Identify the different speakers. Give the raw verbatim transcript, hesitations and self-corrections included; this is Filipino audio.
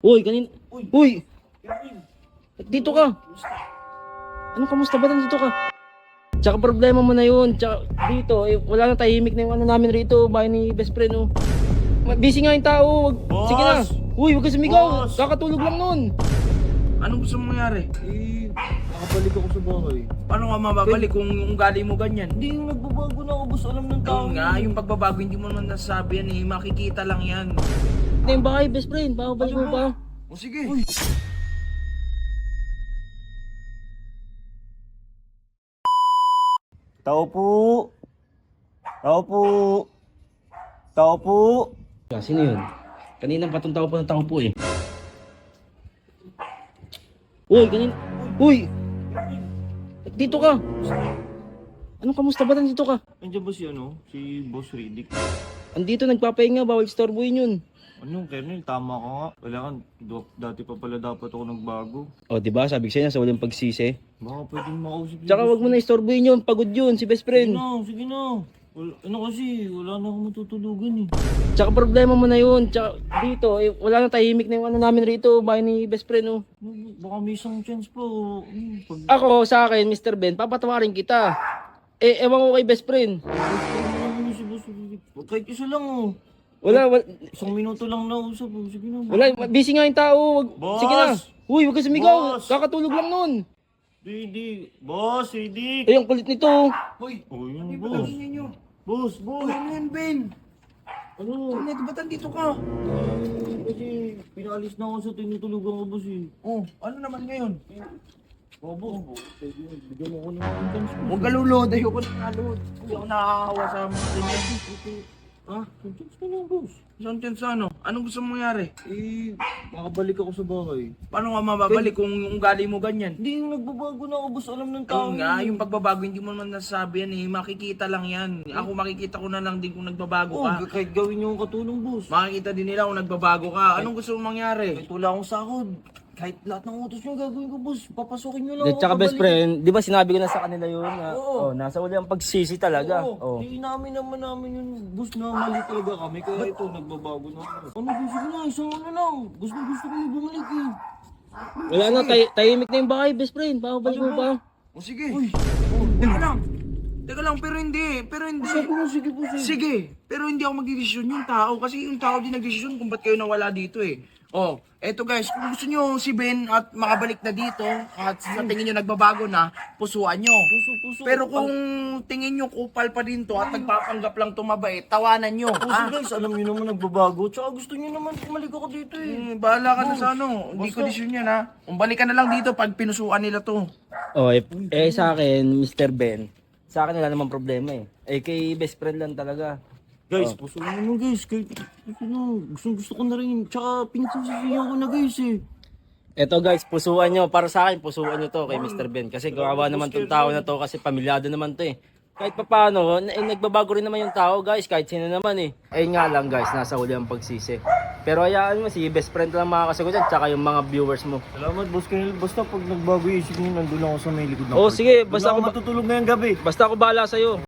Speaker 1: Uy, kanin...
Speaker 2: Uy!
Speaker 1: Uy!
Speaker 2: Kevin!
Speaker 1: Dito ka! Anong kamusta ba? Dito ka? Tsaka problema mo na yun. Tsaka dito, eh, wala na tahimik na yung ano namin rito. Bahay ni best friend, oh. Busy nga yung tao. Wag...
Speaker 2: Boss!
Speaker 1: Sige na. Uy, huwag ka sumigaw.
Speaker 2: Boss!
Speaker 1: Kakatulog lang nun.
Speaker 2: Anong gusto mong mangyari?
Speaker 3: Eh, nakabalik ako sa bahay.
Speaker 2: Paano ka mababalik kung ugali mo ganyan?
Speaker 3: Hindi, yung nagbabago na ako, boss. Alam ng tao.
Speaker 2: Ikaw nga, yung pagbabago hindi mo naman nasasabi yan eh. Makikita lang yan.
Speaker 1: Ito yung bahay, best friend. Babalik mo pa.
Speaker 2: O sige.
Speaker 3: Tao po! Tao po! Tao po!
Speaker 1: Ah, sino yun? Kanina patong tao pa ng tao po eh. Uy, kanin... Uy! Dito ka! Anong kamusta ba? Dito ka?
Speaker 3: Andiyan ba si ano? Si Boss Riddick?
Speaker 1: Andito nagpapahinga, bawal istorbohin yun.
Speaker 3: Ano, Kernel, tama ka nga. Wala kan, dati pa pala dapat ako nagbago.
Speaker 1: O, diba? Sabi ko sa'yo, sa walang pagsisi.
Speaker 3: Baka pwedeng makausap si
Speaker 1: Tsaka
Speaker 3: Boss
Speaker 1: wag mo na istorbohin yun, pagod yun, si best
Speaker 3: Sige
Speaker 1: friend.
Speaker 3: na, sige na. Wala, ano kasi, wala na akong matutulugan eh.
Speaker 1: Tsaka problema mo na yun. Tsaka dito, eh, wala na tahimik na yung ano namin rito, bahay ni best friend, oh.
Speaker 3: Baka may isang chance pa. oh. Hmm, pag...
Speaker 1: Ako, sa akin, mister Ben, papatawarin kita. Eh, ewan ko kay best friend.
Speaker 3: Ano naman si Boss Riddick? Kahit isa lang oh.
Speaker 1: Wala, wala,
Speaker 3: Isang minuto lang nausap oh. Sige na.
Speaker 1: wala, busy nga yung tao. Wag,
Speaker 3: Boss!
Speaker 1: sige na. Uy, wag ka sumigaw.
Speaker 3: Boss!
Speaker 1: Kakatulog lang nun.
Speaker 3: Riddick! Boss, Riddick!
Speaker 1: Eh, ang kulit nito.
Speaker 2: Hoy!
Speaker 3: Oh, yun,
Speaker 2: Ano ba
Speaker 3: boss.
Speaker 2: tingin nyo?
Speaker 3: Boss, boss!
Speaker 2: Ano yan, Ben?
Speaker 3: Ano?
Speaker 2: Ano, ba't andito ka?
Speaker 3: Kasi pinalis na ako sa tinutulugan ko, boss eh.
Speaker 2: Oh, ano naman ngayon?
Speaker 3: Oh, boss. Bigyan mo ako ng chance, boss.
Speaker 2: Huwag ka lulod, ayoko na nalod. Hindi ako nakakawa sa mga ganyan.
Speaker 3: Ah, chance ka lang, boss.
Speaker 2: Isang chance ano? Anong gusto mong mangyari?
Speaker 3: Eh, makabalik ako sa bahay.
Speaker 2: Paano ka mababalik kung ugali mo ganyan?
Speaker 3: Hindi, yung nagbabago na ako, boss. Alam ng tao.
Speaker 2: Ikaw nga, yung pagbabago hindi mo naman nasasabi yan eh. Makikita lang yan. Ako makikita ko na lang din kung nagbabago
Speaker 3: Oh,
Speaker 2: ka.
Speaker 3: kahit gawin niyo ang katulong, boss.
Speaker 2: Makikita din nila kung nagbabago ka. Anong gusto mong mangyari?
Speaker 3: Kahit wala akong sahod. Kahit lahat ng utos niyo gagawin ko, boss. Papasukin niyo lang
Speaker 1: Di,
Speaker 3: ako.
Speaker 1: tsaka best
Speaker 3: kabalik.
Speaker 1: friend, di ba sinabi ko na sa kanila yun? Na,
Speaker 3: Oo.
Speaker 1: oh, nasa uli ang pagsisi talaga.
Speaker 3: Oo,
Speaker 1: Oh.
Speaker 3: di namin naman namin yun, boss, na mali talaga kami. Kaya ito, nagbabago na ako. Ano, boss, sige na, isang ano lang. Gusto, gusto ko na bumalik eh.
Speaker 1: Wala na, tay- tahimik na yung bahay, best friend. Babalik mo pa.
Speaker 2: O sige. Oh, teka lang. Teka lang, pero hindi. Pero hindi.
Speaker 3: Sabi mo, sige, boss. eh.
Speaker 2: Sige, pero hindi ako magdidesisyon yung tao. Kasi yung tao din nagdesisyon kung ba't kayo nawala dito eh. Oh, eto guys, kung gusto nyo si Ben at makabalik na dito at sa tingin nyo nagbabago na, pusuan nyo.
Speaker 3: Puso, puso.
Speaker 2: Pero kung tingin nyo kupal pa din to at nagpapanggap lang tumabait, tawanan nyo.
Speaker 3: Puso,
Speaker 2: Ah,
Speaker 3: guys, alam niyo naman nagbabago. Tsaka gusto niyo naman bumalik ako dito eh.
Speaker 2: hmm, bahala ka na sa ano. Hindi ko
Speaker 3: Basta-
Speaker 2: desisyon yan ha. Umbalik ka na lang dito pag pinusuan nila to.
Speaker 1: Oh, eh, eh sa akin, mister Ben, sa akin wala namang problema eh. Eh kay best friend lang talaga.
Speaker 3: Guys, puso mo naman guys. Kahit, ano, gusto, gusto ko na rin. Tsaka pinagsasasiyan ko na guys eh.
Speaker 1: Eto guys, pusuan nyo. Para sa akin, pusuan nyo to kay mister Ben. Kasi kawawa naman tong tao na to kasi pamilyado naman to eh. Kahit pa paano, eh, nagbabago rin naman yung tao guys. Kahit sino naman eh. Eh nga lang guys, nasa huli ang pagsisi. Pero hayaan mo, si best friend lang makakasagot dyan. Tsaka yung mga viewers mo.
Speaker 3: Salamat, boss Kernel. Basta pag nagbago yung isip niyo, nandun ako sa may likod ng
Speaker 1: Oh
Speaker 3: court.
Speaker 1: sige,
Speaker 3: Doon
Speaker 1: basta
Speaker 3: ako
Speaker 1: ako,
Speaker 3: matutulog ngayong gabi.
Speaker 1: basta ako bahala sa'yo.